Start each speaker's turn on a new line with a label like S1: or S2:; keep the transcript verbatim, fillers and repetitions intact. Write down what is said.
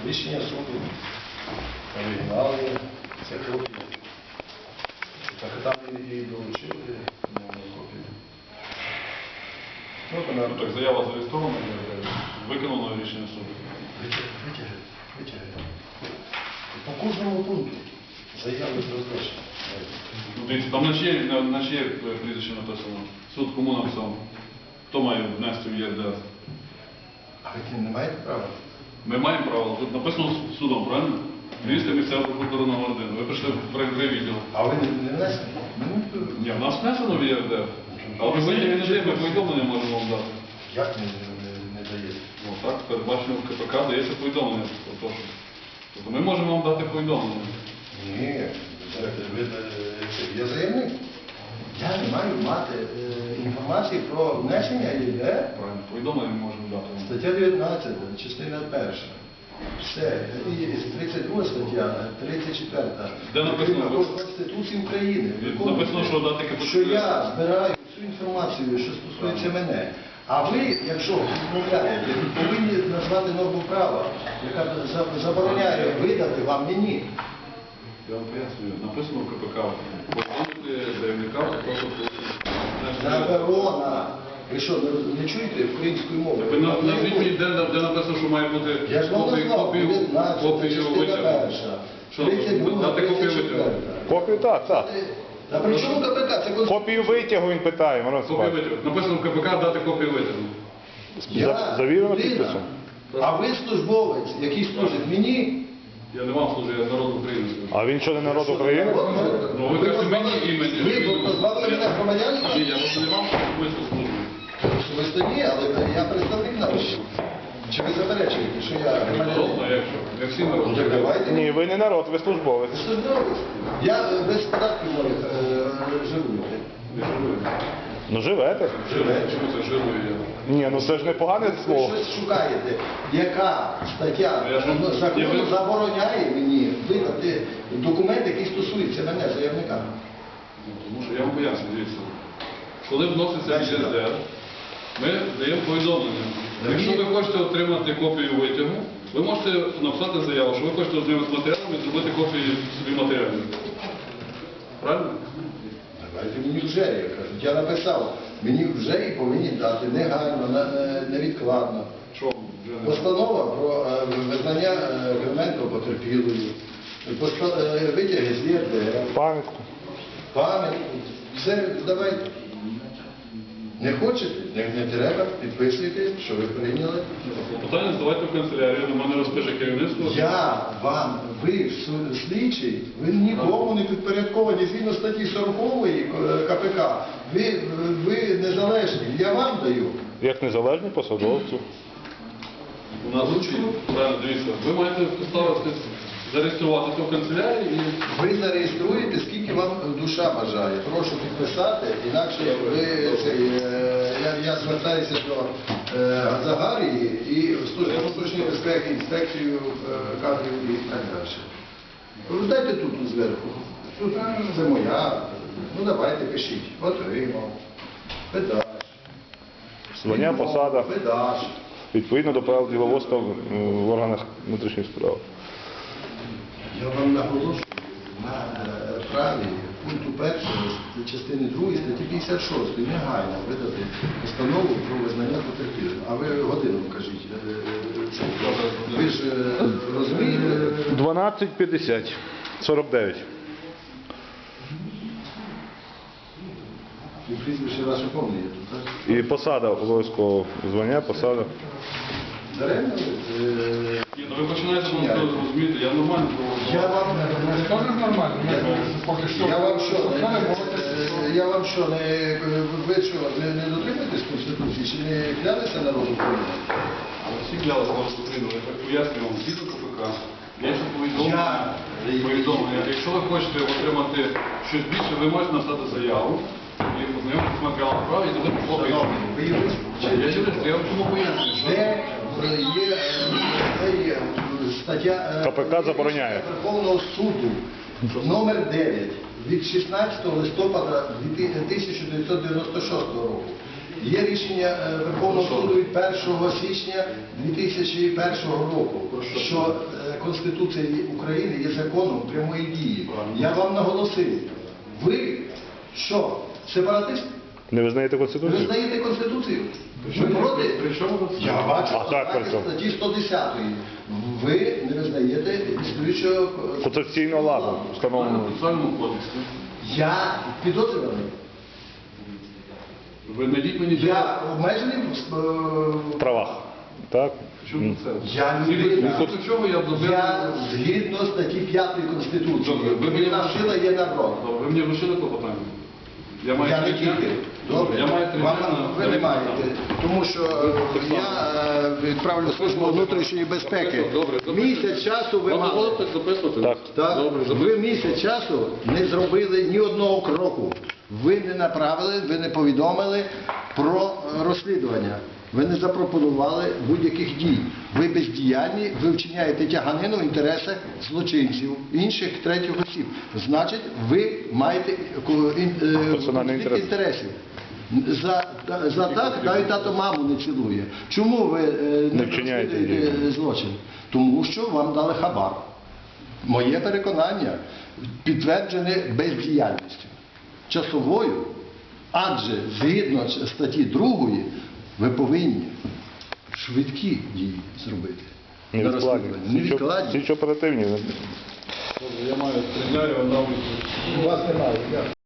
S1: рішення суду, оригінали, це копії. Так там і долучили копію. Ну,
S2: Ну, так, заява зареєстрована, виконано рішення суду.
S1: Витягли, витягли. По кожному пункту заяви розглашені.
S2: Ну, дивіться, там на чиє, на, на чиє прізвище написано? Суд кому написав? Хто має внести в ЄРДР?
S1: А ви не маєте права?
S2: Ми маємо право. Тут написано судом, правильно? Міністр місцевого прокурора номер один. Ви прийшли в правовий відділ.
S1: А ви не внесли?
S2: Ні, в нас внесено в ЄРДР. Але ви не даєте, ми повідомлення можемо вам дати.
S1: Як не, не, не даєте?
S2: Ну так, передбачено в КПК дається повідомлення. Тобто, тобто ми можемо вам дати повідомлення.
S1: Ні, ви, я заявник. Я не маю мати е, інформації про внесення ЄРДР.
S2: Правильно, повідомлення ми можемо дати вам.
S1: Стаття дев'ятнадцята, частина перша. Все. І тридцять друга стаття, тридцять четверта.
S2: Де написано?
S1: Конституції України.
S2: Написано, що дати КПК.
S1: Що я збираю всю інформацію, що стосується мене. А ви, якщо відмовляєте, повинні назвати норму права, яка забороняє видати вам мені.
S2: Я вам пояснюю, написано в КПК. Повідомити заявника просто
S1: Заборона. Ви що, не, не чуєте української мови?
S2: Ви на- назвіть мені, де, де написано, що має бути
S1: Я ж вам
S2: копію,
S1: назвав,
S2: копію,
S1: дев'ятнадцята,
S2: копію
S1: частина
S2: витягу.
S1: перша,
S2: Що,
S1: тридцять друга,
S2: дати копію
S1: тридцять
S2: витягу?
S1: четверта.
S3: Копію так, так.
S1: А при чому КПК? Це Конституція.
S3: Копію витягу він питає, Мороз
S2: Копію
S3: Іванович.
S2: витягу. Написано в КПК дати копію витягу.
S3: За- завірено
S1: людина.
S3: підписом.
S1: А ви службовець, який служить мені?
S2: Я не вам служу, я народ України служу.
S3: А він що, не народ України?
S2: Ну, ви кажете мені імені.
S1: Ви позбавили мене громадянства?
S2: Ні, я просто не вам особисто служу.
S1: Особисто ні, але я представник народу. Чи ви заперечуєте, що я
S2: Народно,
S1: громадянин?
S2: якщо. Як всі
S1: Ну,
S2: народи.
S1: так давайте.
S3: Ні, ви не народ, ви службовець.
S1: Службовець. Я е, без податків е, живу.
S2: Не жирую.
S3: Ну живете.
S2: Жирую. Чому це жирую я?
S3: Ні, ну це ж не погане
S1: Ви
S3: слово.
S1: щось шукаєте, яка стаття
S2: Я ж-
S1: ну,
S2: я
S1: закону
S2: ви-
S1: забороняє мені видати документ, який стосується мене, заявника.
S2: Ну, Тому що я вам поясню, дивіться. Коли вноситься в
S1: Дальше,
S2: ЄРДР, ми даємо повідомлення. Якщо ви хочете отримати копію витягу, ви можете написати заяву, що ви хочете ознайомитися з матеріалами і зробити копію собі матеріалів. Правильно?
S1: Давайте мені вже, я кажу. Я написав, мені вже і повинні дати негайно, на- на- невідкладно.
S2: Що вже не
S1: Постанова про е, визнання е, Кременко потерпілою, поста- е, витяги з ЄРДР,
S3: Пам'ятку.
S1: пам'ятку. Все, давайте. Не хочете? Не, не треба, підписуйте, що ви прийняли.
S2: Питання задавайте в канцелярію, до мене розпише керівництво.
S1: Я вам, ви су- слідчий, ви нікому не підпорядковані згідно статті сорокової КПК. Ви, ви незалежні, я вам даю.
S3: Як незалежний посадовцю.
S2: У нас правильно, дивіться, ви маєте поставити, зареєструвати це в канцелярії і
S1: Ви зареєструєте, скільки вам душа бажає. Прошу підписати, інакше ви, цей, е, я, я звертаюся до е, Газагарії і в Службу внутрішньої безпеки, інспекцію е, кадрів і так далі. Дайте тут зверху. Тут це моя. Ну давайте пишіть. Отримав. Педаш.
S3: Звання, посада.
S1: Педаш.
S3: Відповідно до правил діловодства в в органах внутрішніх справ.
S1: Я вам наголошую на е, праві пункту першого частини другої статті п'ятдесят шостої негайно видати постанову про визнання потерпілим. А ви годину кажіть. е, е, це. Ви ж е, розумієте?
S3: дванадцять п'ятдесят. сорок дев'ять.
S1: І прізвище ваше повне є тут, так?
S3: І посада обов'язково. Звання, посада.
S1: Даремно? ви, е,
S2: Ні, ну ви починаєте ну, розуміти, я нормально
S1: Я
S2: проводжу.
S1: вам
S4: Теж нормально. Ми поки що
S1: Я вам що,
S4: це не було.
S1: е, я вам що, не, ви що, не, не дотримуєтесь Конституції, чи не клялися народу України?
S2: Всі клялися вас Україну, я так пояснюю вам, згідно КПК. Є ще повідомлення.
S1: Я-
S2: повідомлення. Якщо ви хочете отримати щось більше, ви можете написати заяву і познайомитися з матеріалом справи і зробити копію.
S1: Ви юрист?
S2: Я юрист, я вам чому пояснюю, що
S1: Де є, де є стаття е,
S3: КПК забороняє.
S1: Верховного суду номер дев'ять від шістнадцятого листопада тисяча дев'ятсот дев'яносто шостого року. Є рішення е, Верховного суду від першого січня дві тисячі першого року, що е, Конституція України є законом прямої дії. Я вам наголосив, ви що, сепаратист?
S3: Не визнаєте
S1: Ви
S3: Конституцію?
S1: визнаєте Конституцію? Ви проти?
S2: При чому тут це?
S1: Я бачу,
S3: А так, при чому?
S1: статті сто десять. Ви не визнаєте існуючого
S3: Конституційного ладу
S2: В
S3: встановлено.
S2: процесуальному кодексі.
S1: Я підозрюваний.
S2: Ви знайдіть мені
S1: Я обмежений в
S3: В правах. Так?
S2: Чому це?
S1: Я не
S2: Згідно
S1: винен.
S2: згідно чого я зробив?
S1: Я згідно статті п'ятої Конституції.
S2: Добре, ви мені
S1: Вільна сила є народ.
S2: Добре, ви мені вручили клопотання? Я маю
S1: Я не
S2: три дня.
S1: тільки. Добре.
S2: Я маю три
S1: Вам-
S2: дня на-
S1: ви не маєте. Тому що е, я е, відправлю службу внутрішньої безпеки.
S2: Добре, записуйте.
S1: Місяць часу ви
S2: Вам
S1: мали.
S2: дозволите записувати?
S3: Так.
S1: Так,
S2: Добре,
S1: ви
S2: записуйте.
S1: місяць часу не зробили ні одного кроку. Ви не направили, ви не повідомили про е, розслідування. Ви не запропонували будь-яких дій. Ви бездіяльні, ви вчиняєте тяганину в інтересах злочинців, інших третіх осіб. Значить, ви маєте е, ін- е,
S3: Персональний
S1: конфлікт
S3: інтерес.
S1: інтересів. За, та- за так навіть тато маму не цілує. Чому ви е,
S3: Не вчиняєте
S1: розслідуєте
S3: дій.
S1: злочин? Тому що вам дали хабар. Моє переконання підтверджене бездіяльністю. Часовою, адже згідно з статті другої ви повинні швидкі дії зробити. На
S3: Невідкладні.
S1: розслідування. Невідкладні.
S3: Слідчо оперативні.
S2: Добре, я маю три дня, я вам дав відповідь.
S1: У вас немає.